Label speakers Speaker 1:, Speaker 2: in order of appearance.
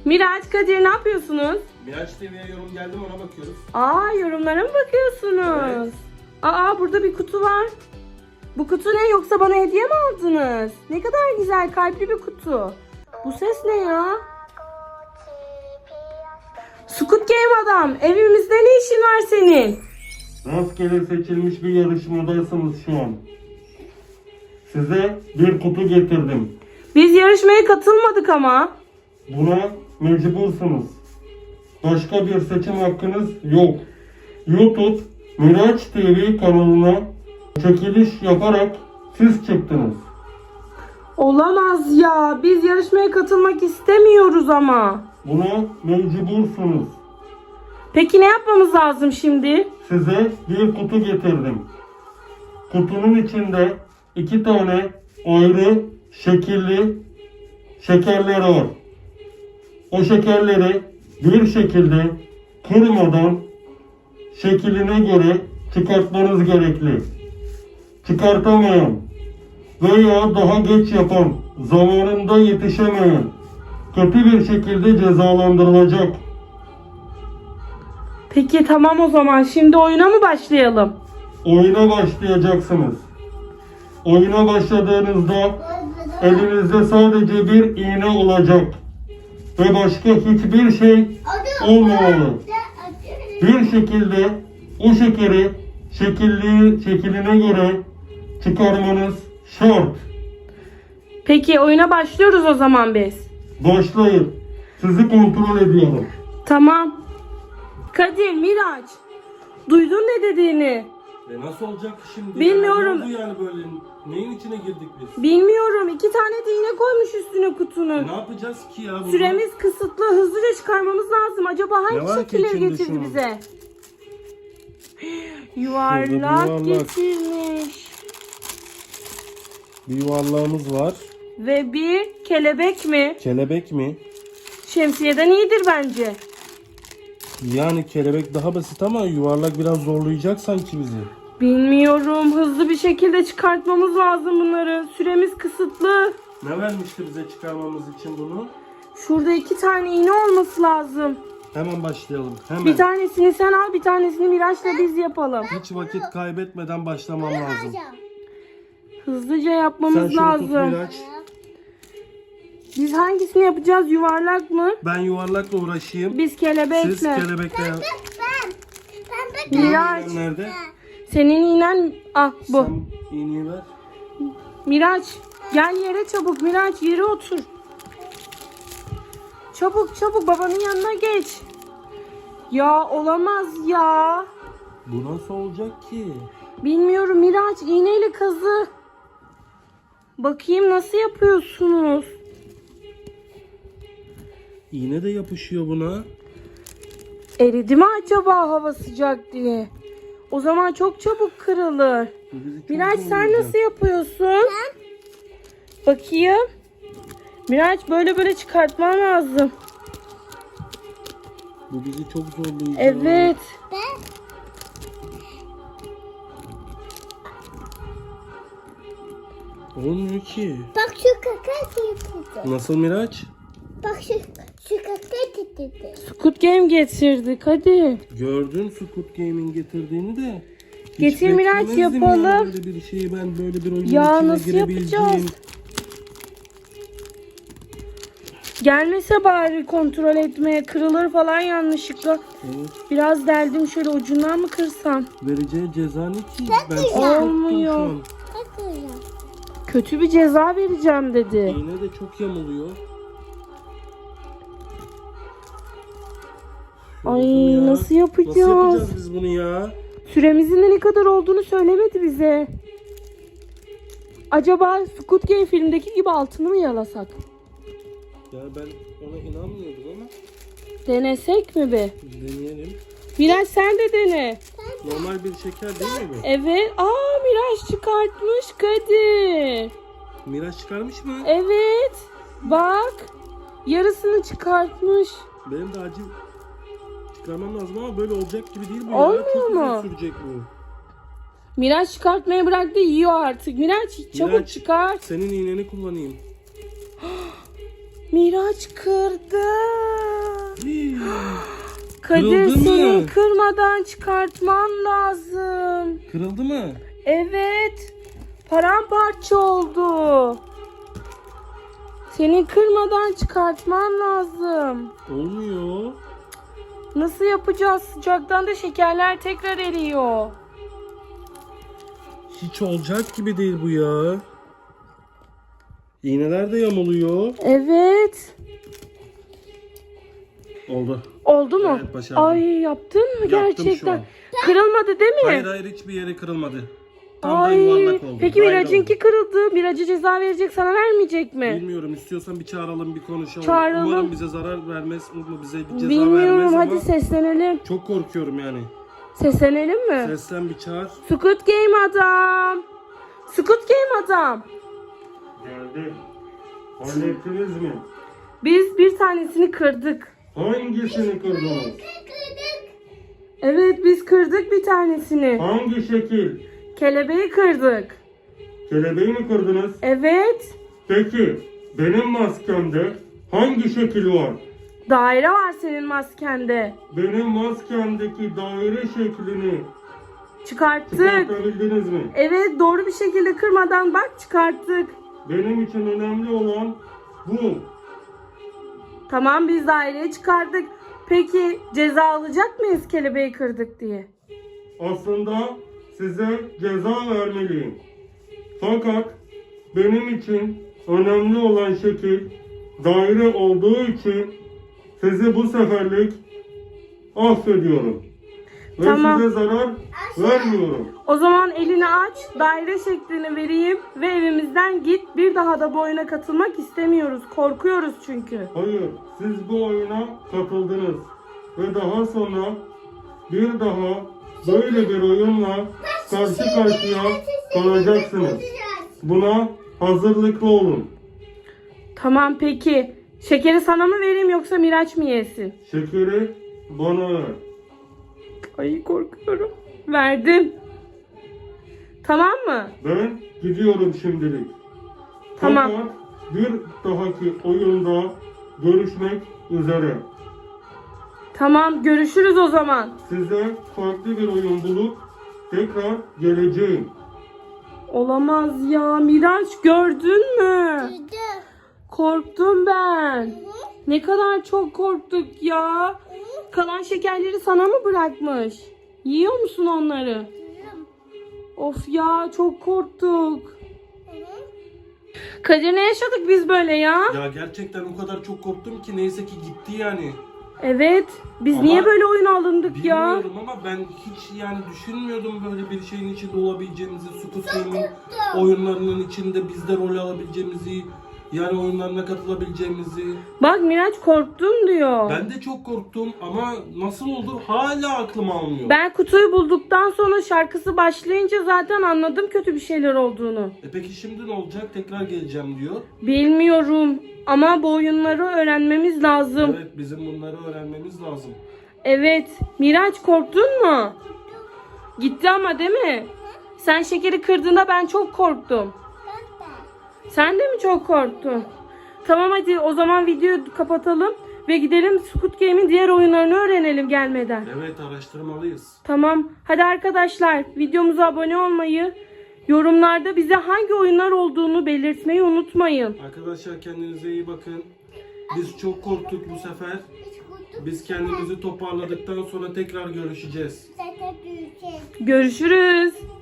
Speaker 1: Miraç, Kadir ne yapıyorsunuz?
Speaker 2: Miraç TV'ye yorum geldi mi ona bakıyoruz.
Speaker 1: Yorumlara mı bakıyorsunuz?
Speaker 2: Evet.
Speaker 1: Burada bir kutu var. Bu kutu ne, yoksa bana hediye mi aldınız? Ne kadar güzel, kalpli bir kutu. Bu ses ne ya? Squid Game adam, evimizde ne işin var senin?
Speaker 2: Rastgele seçilmiş bir yarışmadasınız şu an. Size bir kutu getirdim.
Speaker 1: Biz yarışmaya katılmadık ama.
Speaker 2: Buna mecbursunuz. Başka bir seçim hakkınız yok. YouTube Miraç TV kanalına çekiliş yaparak siz çıktınız.
Speaker 1: Olamaz ya, biz yarışmaya katılmak istemiyoruz ama.
Speaker 2: Buna mecbursunuz.
Speaker 1: Peki ne yapmamız lazım şimdi?
Speaker 2: Size bir kutu getirdim. Kutunun içinde 2 tane ayrı şekilli şekerler var. O şekerleri bir şekilde kırmadan şekline göre çıkartmanız gerekli. Çıkartamayan veya daha geç yapan, zamanında yetişemeyen kötü bir şekilde cezalandırılacak.
Speaker 1: Peki tamam, o zaman şimdi oyuna mı başlayalım?
Speaker 2: Oyuna başlayacaksınız. Oyuna başladığınızda elinizde sadece bir iğne olacak ve başka hiçbir şey olmamalı. Bir şekilde o şekeri şekline göre çıkarmanız şart.
Speaker 1: Peki oyuna başlıyoruz o zaman biz.
Speaker 2: Başlayın. Sizi kontrol ediyorum.
Speaker 1: Tamam. Kadir, Miraç, duydun ne dediğini?
Speaker 2: Nasıl olacak şimdi?
Speaker 1: Bilmiyorum.
Speaker 2: Ne oldu yani böyle? Neyin içine girdik biz?
Speaker 1: Bilmiyorum. 2 tane de iğne koymuş üstüne kutunun.
Speaker 2: Ne yapacağız ki ya? Bunu?
Speaker 1: Süremiz kısıtlı. Hızlıca çıkarmamız lazım. Acaba
Speaker 2: Ne
Speaker 1: hangi
Speaker 2: var ki
Speaker 1: şekilleri
Speaker 2: içinde
Speaker 1: getirdi
Speaker 2: şunun?
Speaker 1: bize?
Speaker 2: Şurada bir
Speaker 1: Yuvarlak
Speaker 2: yuvarlak.
Speaker 1: getirmiş.
Speaker 2: Bir yuvarlağımız var.
Speaker 1: Ve bir kelebek mi?
Speaker 2: Kelebek mi?
Speaker 1: Şemsiyeden iyidir bence.
Speaker 2: Yani kelebek daha basit ama yuvarlak biraz zorlayacak sanki bizi.
Speaker 1: Bilmiyorum. Hızlı bir şekilde çıkartmamız lazım bunları. Süremiz kısıtlı.
Speaker 2: Ne vermişti bize çıkarmamız için bunu?
Speaker 1: Şurada 2 tane iğne olması lazım.
Speaker 2: Hemen başlayalım. Hemen.
Speaker 1: Bir tanesini sen al, bir tanesini Miraç'la biz yapalım.
Speaker 2: Hiç vakit kaybetmeden başlamam lazım.
Speaker 1: Hızlıca
Speaker 2: Sen
Speaker 1: yapmamız
Speaker 2: şunu
Speaker 1: lazım.
Speaker 2: tut Miraç.
Speaker 1: Biz hangisini yapacağız? Yuvarlak mı?
Speaker 2: Ben yuvarlakla uğraşayım.
Speaker 1: Biz kelebekle.
Speaker 2: Siz kelebekle yap.
Speaker 1: Miraç,
Speaker 2: İğnen nerede?
Speaker 1: senin iğnen bu.
Speaker 2: Sen iğneyi ver.
Speaker 1: Miraç, gel yere çabuk. Miraç, yere otur. Çabuk çabuk, babanın yanına geç. Ya olamaz ya.
Speaker 2: Bu nasıl olacak ki?
Speaker 1: Bilmiyorum Miraç, iğneyle kazı. Bakayım nasıl yapıyorsunuz?
Speaker 2: İğne de yapışıyor buna.
Speaker 1: Eridi mi acaba hava sıcak diye? O zaman çok çabuk kırılır.
Speaker 2: Bu bizi çok
Speaker 1: Miraç, sen
Speaker 2: zorlayacak.
Speaker 1: nasıl yapıyorsun? Bakayım. Miraç, böyle çıkartman lazım.
Speaker 2: Bu bizi çok zorlayacak.
Speaker 1: Evet.
Speaker 2: Olmuyor ki.
Speaker 3: Bak şu kaka getirdi.
Speaker 2: Nasıl Miraç?
Speaker 3: Bak şu kaka getirdi.
Speaker 1: Squid Game getirdik, hadi.
Speaker 2: Gördün Squid Game'in getirdiğini de. Hiç
Speaker 1: Getir Miraç,
Speaker 2: beklemezdim
Speaker 1: yapalım.
Speaker 2: ya böyle bir şeyi, ben böyle bir oyunun
Speaker 1: Ya
Speaker 2: içine
Speaker 1: nasıl
Speaker 2: girebileceğim.
Speaker 1: yapacağız? Gelmese bari kontrol etmeye, kırılır falan yanlışlıkla.
Speaker 2: Evet.
Speaker 1: Biraz deldim, şöyle ucundan mı kırsam?
Speaker 2: Vereceği ceza ne ki? Ben
Speaker 3: güzel.
Speaker 2: çok korktum
Speaker 1: Olmuyor.
Speaker 2: şu an.
Speaker 3: Bak öyle.
Speaker 1: Kötü bir ceza vereceğim dedi.
Speaker 2: İğne de çok yamuluyor.
Speaker 1: Ay,
Speaker 2: Yoruldum ya.
Speaker 1: nasıl yapacağız?
Speaker 2: Nasıl yapacağız biz bunu ya?
Speaker 1: Süremizin de ne kadar olduğunu söylemedi bize. Acaba Squid Game filmdeki gibi altını mı yalasak?
Speaker 2: Ya ben ona inanmıyordum ama
Speaker 1: Denesek mi be?
Speaker 2: deneyelim.
Speaker 1: Miraç, sen de dene.
Speaker 2: Normal bir şeker değil mi bu?
Speaker 1: Evet. Miraç çıkartmış Kadir.
Speaker 2: Miraç çıkarmış mı?
Speaker 1: Evet. Bak. Yarısını çıkartmış.
Speaker 2: Benim de acil çıkarmam lazım ama böyle olacak gibi değil bu
Speaker 1: Olmuyor
Speaker 2: ya. Çok
Speaker 1: mu?
Speaker 2: uzun sürecek bu.
Speaker 1: Miraç çıkartmaya bıraktı, yiyor artık. Miraç çabuk
Speaker 2: Miraç,
Speaker 1: çıkart.
Speaker 2: Senin iğneni kullanayım.
Speaker 1: Miraç kırdı. Kadir
Speaker 2: Kırıldı mı?
Speaker 1: senin kırmadan çıkartman lazım.
Speaker 2: Kırıldı mı?
Speaker 1: Evet. Paramparça oldu. Senin kırmadan çıkartman lazım.
Speaker 2: Olmuyor.
Speaker 1: Nasıl yapacağız? Sıcaktan da şekerler tekrar eriyor.
Speaker 2: Hiç olacak gibi değil bu ya. İğneler de yamuluyor.
Speaker 1: Evet.
Speaker 2: Oldu.
Speaker 1: Oldu mu?
Speaker 2: Evet, başardım.
Speaker 1: Ay yaptın mı
Speaker 2: Yaptım
Speaker 1: gerçekten?
Speaker 2: şu an.
Speaker 1: Kırılmadı değil mi?
Speaker 2: Hayır hiçbir yeri kırılmadı. Tam da
Speaker 1: Ay.
Speaker 2: yuvarlak oldu.
Speaker 1: Peki
Speaker 2: Daire
Speaker 1: Miraç'ınki
Speaker 2: oldu.
Speaker 1: kırıldı. Miraç'a ceza verecek, sana vermeyecek mi?
Speaker 2: Bilmiyorum, istiyorsan bir çağıralım, bir konuşalım.
Speaker 1: Çağıralım.
Speaker 2: Umarım bize zarar vermez, bize bir ceza
Speaker 1: Bilmiyorum,
Speaker 2: vermez
Speaker 1: hadi
Speaker 2: ama
Speaker 1: seslenelim.
Speaker 2: çok korkuyorum yani.
Speaker 1: Seslenelim mi?
Speaker 2: Seslen, bir çağır.
Speaker 1: Squid Game adam. Squid Game adam.
Speaker 2: Geldi. Hallettiniz mi?
Speaker 1: Biz bir tanesini kırdık.
Speaker 2: Hangisini kırdınız?
Speaker 1: Evet, biz kırdık bir tanesini.
Speaker 2: Hangi şekil?
Speaker 1: Kelebeği kırdık.
Speaker 2: Kelebeği mi kırdınız?
Speaker 1: Evet.
Speaker 2: Peki benim maskemde hangi şekil var?
Speaker 1: Daire var senin maskende.
Speaker 2: Benim maskemdeki daire şeklini
Speaker 1: Çıkarttık.
Speaker 2: çıkartabildiniz mi?
Speaker 1: Evet, doğru bir şekilde kırmadan bak çıkarttık.
Speaker 2: Benim için önemli olan bu.
Speaker 1: Tamam, biz daireyi çıkardık. Peki ceza alacak mıyız kelebeği kırdık diye?
Speaker 2: Aslında size ceza vermeliyim. Fakat benim için önemli olan şekil daire olduğu için sizi bu seferlik affediyorum. Ve
Speaker 1: Tamam.
Speaker 2: size zarar vermiyorum.
Speaker 1: O zaman elini aç, daire şeklini vereyim ve evimizden git. Bir daha da bu oyuna katılmak istemiyoruz. Korkuyoruz çünkü.
Speaker 2: Hayır, siz bu oyuna katıldınız. Ve daha sonra bir daha böyle bir oyunla karşı karşıya kalacaksınız. Buna hazırlıklı olun.
Speaker 1: Tamam peki. Şekeri sana mı vereyim yoksa Miraç mı yesin?
Speaker 2: Şekeri bana ver.
Speaker 1: Ay korkuyorum. Verdim. Tamam mı?
Speaker 2: Ben gidiyorum şimdilik.
Speaker 1: Tamam.
Speaker 2: Fakat bir dahaki oyunda görüşmek üzere.
Speaker 1: Tamam, görüşürüz o zaman.
Speaker 2: Size farklı bir oyun bulup tekrar geleceğim.
Speaker 1: Olamaz ya. Miraç, gördün mü? Korktum ben. Ne kadar çok korktuk ya. Kalan şekerleri sana mı bırakmış? Yiyor musun onları? Of ya, çok korktuk. Kadir, ne yaşadık biz böyle ya?
Speaker 2: Ya gerçekten o kadar çok korktum ki neyse ki gitti yani.
Speaker 1: Evet. Biz
Speaker 2: Ama
Speaker 1: niye böyle oyuna alındık ya?
Speaker 2: Bilmiyorum ama ben hiç yani düşünmüyordum böyle bir şeyin içinde olabileceğimizi, Squid Game'in oyunlarının içinde biz de rol alabileceğimizi, yani oyunlarına katılabileceğimizi.
Speaker 1: Bak Miraç, korktum diyor.
Speaker 2: Ben de çok korktum ama nasıl oldu hala aklım almıyor.
Speaker 1: Ben kutuyu bulduktan sonra şarkısı başlayınca zaten anladım kötü bir şeyler olduğunu.
Speaker 2: Peki şimdi ne olacak? Tekrar geleceğim diyor.
Speaker 1: Bilmiyorum ama bu oyunları öğrenmemiz lazım.
Speaker 2: Evet, bizim bunları öğrenmemiz lazım.
Speaker 1: Evet. Miraç, korktun mu? Gitti ama değil mi? Sen şekeri kırdığında ben çok korktum. Sen de mi çok korktun? Tamam, hadi o zaman videoyu kapatalım ve gidelim Squid Game'in diğer oyunlarını öğrenelim gelmeden.
Speaker 2: Evet, araştırmalıyız.
Speaker 1: Tamam. Hadi arkadaşlar, videomuza abone olmayı, yorumlarda bize hangi oyunlar olduğunu belirtmeyi unutmayın.
Speaker 2: Arkadaşlar kendinize iyi bakın. Biz çok korktuk bu sefer. Biz kendimizi toparladıktan sonra tekrar görüşeceğiz.
Speaker 3: Zaten büyüyecek.
Speaker 1: Görüşürüz.